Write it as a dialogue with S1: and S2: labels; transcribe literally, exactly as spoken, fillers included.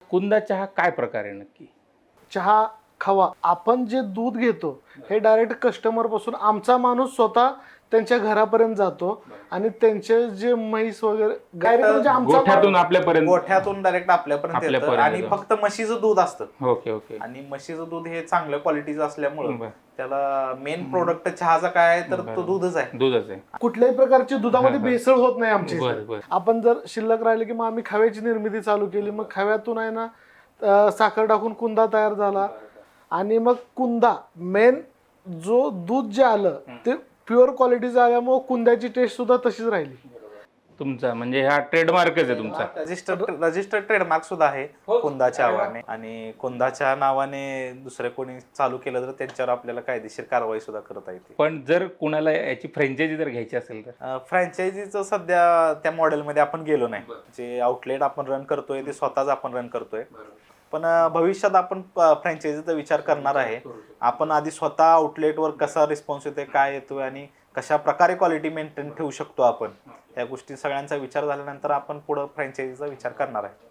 S1: कुंदा चहा काय प्रकार आहे नक्की?
S2: चहा खावा, आपण जे दूध घेतो हे डायरेक्ट कस्टमर पासून आमचा माणूस स्वतः त्यांच्या घरापर्यंत जातो आणि त्यांचे जे म्हैस वगैरे डायरेक्ट म्हणजे आमचा
S1: गोठ्यातून आपल्यापर्यंत
S3: गोठ्यातून डायरेक्ट आपल्यापर्यंत येतं
S1: आपल्यापर्यंत
S3: आणि
S1: येतं.
S3: फक्त म्हशीचं दूध असतं
S1: ओके ओके
S3: आणि म्हशीचं दूध हे चांगल्या क्वालिटीचं असल्यामुळं
S1: बरं.
S3: त्याला मेन प्रोडक्ट चहाचा काय आहे तर तो दूधच आहे.
S1: दूधच आहे.
S2: कुठल्याही प्रकारची दुधामध्ये
S1: हा, हा.
S2: भेसळ होत नाही आमची इथे.
S1: बरं, बरं.
S2: आपण जर शिल्लक राहिले की मग आम्ही खव्याची निर्मिती चालू केली, मग खव्यातून आहे ना अं, साखर टाकून कुंदा तयार झाला आणि मग कुंदा मेन जो दूध जे आलं ते प्युअर क्वालिटीचं आल्यामुळे कुंद्याची टेस्ट सुद्धा तशीच राहिली.
S1: तुमचा म्हणजे हा ट्रेडमार्कच आहे तुमचा.
S3: रजिस्टर रजिस्टर्ड ट्रेडमार्क सुद्धा आहे कुंदाच्या नावाने आणि कुंदाच्या नावाने दुसरे कोणी चालू केलं तर त्यांच्यावर आपल्याला कायदेशीर कारवाई सुद्धा करता येते.
S1: पण जर कुणाला याची फ्रँचायझी जर घ्यायची असेल तर
S3: फ्रँचायझीचं सध्या त्या मॉडेलमध्ये आपण गेलो नाही. जे आउटलेट आपण रन करतोय ते स्वतःच आपण रन करतोय. पण भविष्यात आपण फ्रँचायझीचा विचार करणार आहे. आपण आधी स्वतः आउटलेटवर कसा रिस्पॉन्स येतोय, काय येतोय आणि कशा प्रकारे क्वालिटी मेंटेन ठेवू शकतो आपण, या गोष्टी सगळ्यांचा विचार झाल्यानंतर आपण पुढे फ्रँचायझीचा विचार करणार आहे.